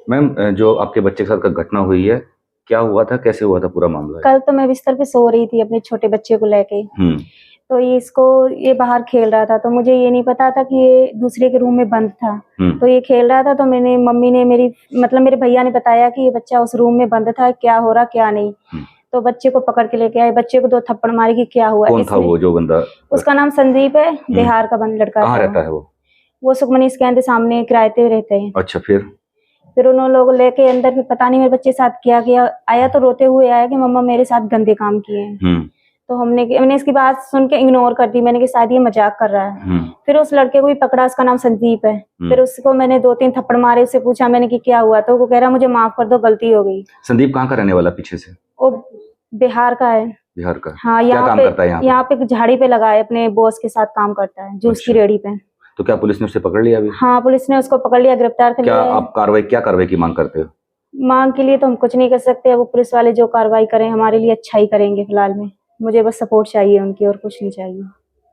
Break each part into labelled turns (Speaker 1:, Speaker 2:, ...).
Speaker 1: Ma'am जो आपके बच्चे के साथ घटना हुई है, क्या हुआ था, कैसे हुआ था पूरा मामला?
Speaker 2: कल तो मैं बिस्तर पे सो रही थी अपने छोटे बच्चे को लेके। तो ये बाहर खेल रहा था, तो मुझे ये नहीं पता था कि ये दूसरे के रूम में बंद था। तो ये खेल रहा था, तो मम्मी ने मेरे भैया ने बताया कि ये बच्चा उस रूम में बंद था, क्या हो रहा क्या नहीं। तो बच्चे को पकड़ के लेके आए, बच्चे को 2 थप्पड़ मारे कि क्या हुआ।
Speaker 1: कौन था वो जो बंदा?
Speaker 2: उसका नाम संदीप है, बिहार का लड़का।
Speaker 1: कहाँ रहता है
Speaker 2: वो सुखमनी स्कैन के सामने किराए पे रहते हैं।
Speaker 1: अच्छा, फिर
Speaker 2: उन लोग लेके अंदर, फिर पता नहीं मेरे बच्चे के साथ क्या किया। आया तो रोते हुए आया कि मम्मा मेरे साथ गंदे काम किए हैं। तो मैंने इसकी बात सुन के इग्नोर कर दी, मैंने कि शायद ये मजाक कर रहा है। फिर उस लड़के को भी पकड़ा, उसका नाम संदीप है। फिर उसको मैंने 2-3 थप्पड़ मारे, उससे पूछा मैंने कि क्या हुआ, तो वो कह रहा मुझे माफ कर दो, गलती हो गई।
Speaker 1: संदीप कहाँ का रहने वाला पीछे से?
Speaker 2: वो बिहार का है।
Speaker 1: बिहार का?
Speaker 2: हाँ, यहाँ पे झाड़ी पे लगा है, अपने बॉस के साथ काम करता है, जूस की रेहड़ी पे।
Speaker 1: तो क्या पुलिस ने उसे पकड़ लिया अभी? हाँ,
Speaker 2: पुलिस ने उसको पकड़ लिया, गिरफ्तार कर लिया।
Speaker 1: आप क्या कार्रवाई की मांग करते हो?
Speaker 2: मांग के लिए तो हम कुछ नहीं कर सकते, वो पुलिस वाले जो कार्रवाई करें हमारे लिए अच्छा ही करेंगे। फिलहाल में मुझे बस सपोर्ट चाहिए उनकी, और कुछ नहीं चाहिए।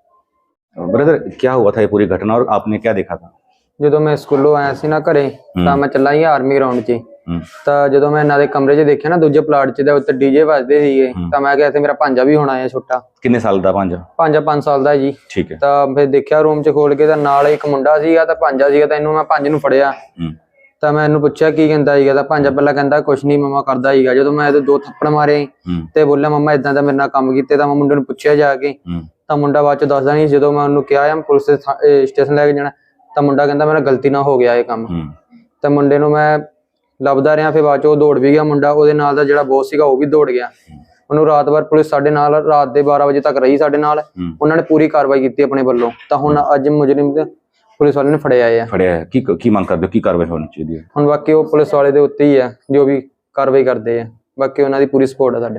Speaker 1: ब्रदर, क्या हुआ था ये पूरी घटना और आपने क्या देखा था?
Speaker 3: जो मैं स्कूलों आया सी ना घरे, तो मैं चला ही आर्मी ग्राउंड च। ਤਾਂ ਜਦੋਂ ਮੈਂ ਇਹਨਾਂ ਦੇ ਕਮਰੇ 'ਚ ਦੇਖਿਆ ਨਾ, ਦੂਜੇ ਪਲਾਟ 'ਚ ਦੇ ਉੱਤੇ ਡੀਜੇ ਵੱਜਦੇ ਸੀਗੇ, ਤਾਂ ਮੈਂ ਕਿਹਾ ਇੱਥੇ ਮੇਰਾ ਭਾਂਜਾ ਵੀ ਹੋਣਾ ਹੈ ਛੋਟਾ।
Speaker 1: ਕਿੰਨੇ ਸਾਲ ਦਾ ਭਾਂਜਾ?
Speaker 3: ਭਾਂਜਾ 5 ਸਾਲ ਦਾ ਜੀ।
Speaker 1: ਠੀਕ ਹੈ।
Speaker 3: ਤਾਂ ਫਿਰ ਦੇਖਿਆ ਰੂਮ 'ਚ ਖੋਲ ਕੇ, ਤਾਂ ਨਾਲ ਇੱਕ ਮੁੰਡਾ ਸੀਗਾ ਤਾਂ ਭਾਂਜਾ ਸੀਗਾ। ਤਾਂ ਇਹਨੂੰ ਮੈਂ ਭਾਂਜੇ ਨੂੰ ਫੜਿਆ, ਤਾਂ ਮੈਂ ਇਹਨੂੰ ਪੁੱਛਿਆ ਕੀ ਕਹਿੰਦਾ ਸੀਗਾ, ਤਾਂ ਭਾਂਜਾ ਪਹਿਲਾਂ ਕਹਿੰਦਾ ਕੁਛ ਨਹੀਂ ਮਮਾ ਕਰਦਾ ਸੀਗਾ। ਜਦੋਂ ਮੈਂ ਇਹਦੇ 2 ਥੱਪੜ ਮਾਰੇ ਤੇ ਬੋਲਿਆ ਮਮਾ ਇਦਾਂ ਦਾ ਮੇਰੇ ਨਾਲ ਕੰਮ ਕੀਤੇ, ਤਾਂ ਮੈਂ ਮੁੰਡੇ ਨੂੰ ਪੁੱਛਿਆ ਜਾ ਕੇ, ਤਾਂ ਮੁੰਡਾ ਬਾਅਦ 'ਚ ਦੱਸਦਾ ਨਹੀਂ। ਜਦੋਂ ਮੈਂ ਉਹਨੂੰ ਕਿਹਾ ਮੈਂ ਪੁਲਿਸ ਸਟੇਸ਼ਨ ਲੈ ਕੇ ਜਾਣਾ, ਤਾਂ ਮੁੰਡਾ ਕਹਿੰਦਾ ਮੇਰਾ ਗਲਤੀ ਨਾਲ ਹੋ ਗਿਆ ਇਹ ਕੰਮ। ਤਾਂ ਮੁੰਡੇ ਨੂੰ ਮੈਂ ਲੱਭਦਾ ਰਿਹਾ, ਫਿਰ ਬਾਅਦ 'ਚ ਉਹ ਦੌੜ ਵੀ ਗਿਆ ਮੁੰਡਾ। ਉਹਦੇ ਨਾਲ ਦਾ ਜਿਹੜਾ ਬੌਸ ਸੀਗਾ ਉਹ ਵੀ ਦੌੜ ਗਿਆ। ਉਹਨੂੰ ਰਾਤ ਭਰ ਪੁਲਿਸ ਸਾਡੇ ਨਾਲ, ਰਾਤ ਦੇ 12 ਵਜੇ ਤੱਕ ਰਹੀ ਸਾਡੇ ਨਾਲ। ਉਹਨਾਂ ਨੇ ਪੂਰੀ ਕਾਰਵਾਈ ਕੀਤੀ ਆਪਣੇ ਵੱਲੋਂ। ਤਾਂ ਹੁਣ ਅੱਜ ਮੁਜਰਿਮ ਤੇ ਪੁਲਿਸ ਵਾਲੇ ਨੇ ਫੜਿਆ ਹੈ।
Speaker 1: ਕੀ ਮੰਗ ਕਰਦੇ ਹੋ, ਕੀ ਕਾਰਵਾਈ ਹੋਣੀ ਚਾਹੀਦੀ ਹੈ?
Speaker 3: ਹੁਣ ਬਾਕੀ ਉਹ ਪੁਲਿਸ ਵਾਲੇ ਦੇ ਉੱਤੇ ਹੀ ਹੈ, ਜੋ ਵੀ ਕਾਰਵਾਈ ਕਰਦੇ ਆ। ਬਾਕੀ ਉਹਨਾਂ ਦੀ ਪੂਰੀ ਸਪੋਰਟ ਹੈ ਸਾਡੇ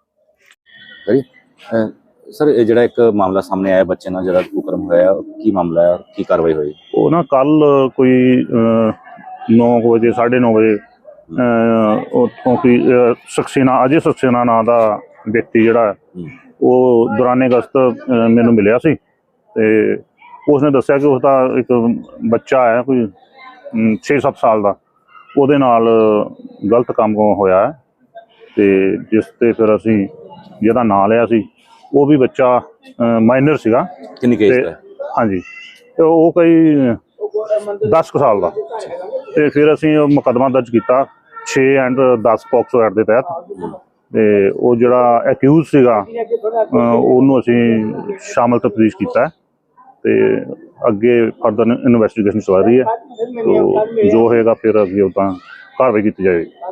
Speaker 3: ਨਾਲ।
Speaker 1: ਸਰ, ਇਹ ਜਿਹੜਾ ਇੱਕ ਮਾਮਲਾ ਸਾਹਮਣੇ ਆਇਆ ਬੱਚੇ ਨਾਲ ਜਿਹੜਾ ਕੁਕਰਮ ਹੋਇਆ, ਕੀ ਮਾਮਲਾ ਹੈ, ਕੀ ਕਾਰਵਾਈ ਹੋਈ?
Speaker 4: ਉਹ ਨਾ ਕੱਲ ਕੋਈ 9 ਵਜੇ 9:30 ਵਜੇ ਉੱਥੋਂ ਕੋਈ ਅਜੇ ਸਕਸੇਨਾ ਨਾਂ ਦਾ ਵਿਅਕਤੀ ਜਿਹੜਾ ਉਹ ਦੌਰਾਨੇ ਗਸ਼ਤ ਮੈਨੂੰ ਮਿਲਿਆ ਸੀ, ਤੇ ਉਸਨੇ ਦੱਸਿਆ ਕਿ ਉਸਦਾ ਇੱਕ ਬੱਚਾ ਹੈ ਕੋਈ 6-7 ਸਾਲ ਦਾ, ਉਹਦੇ ਨਾਲ ਗਲਤ ਕੰਮ ਹੋਇਆ ਹੈ। ਤੇ ਜਿਸ ਤੇ ਫਿਰ ਅਸੀਂ ਜਿਹਦਾ ਨਾਂ ਲਿਆ ਸੀ, ਉਹ ਵੀ ਬੱਚਾ ਮਾਈਨਰ ਸੀਗਾ।
Speaker 1: ਕਿੰਨੀ ਕੇਸ ਦਾ? ਹਾਂਜੀ,
Speaker 4: ਤੇ ਉਹ ਕੋਈ 10 ਕੁ ਸਾਲ ਦਾ। ਤੇ ਫਿਰ ਅਸੀਂ ਮੁਕੱਦਮਾ ਦਰਜ ਕੀਤਾ 6 ਐਂਡ 10 ਪੋਕਸੋ ਐਕਟ ਦੇ ਤਹਿਤ। ਤੇ ਉਹ ਜਿਹੜਾ ਐਕਿਊਜ਼ ਸੀਗਾ ਉਹਨੂੰ ਅਸੀਂ ਸ਼ਾਮਲ ਤਫਤੀਸ਼ ਕੀਤਾ ਤੇ ਅੱਗੇ ਫਰਦਰ ਇਨਵੈਸਟੀਗੇਸ਼ਨ ਚੱਲ ਰਹੀ ਹੈ। ਜੋ ਹੋਏਗਾ ਫਿਰ ਅੱਗੇ ਉਦਾਂ ਕਾਰਵਾਈ ਕੀਤੀ ਜਾਏਗੀ।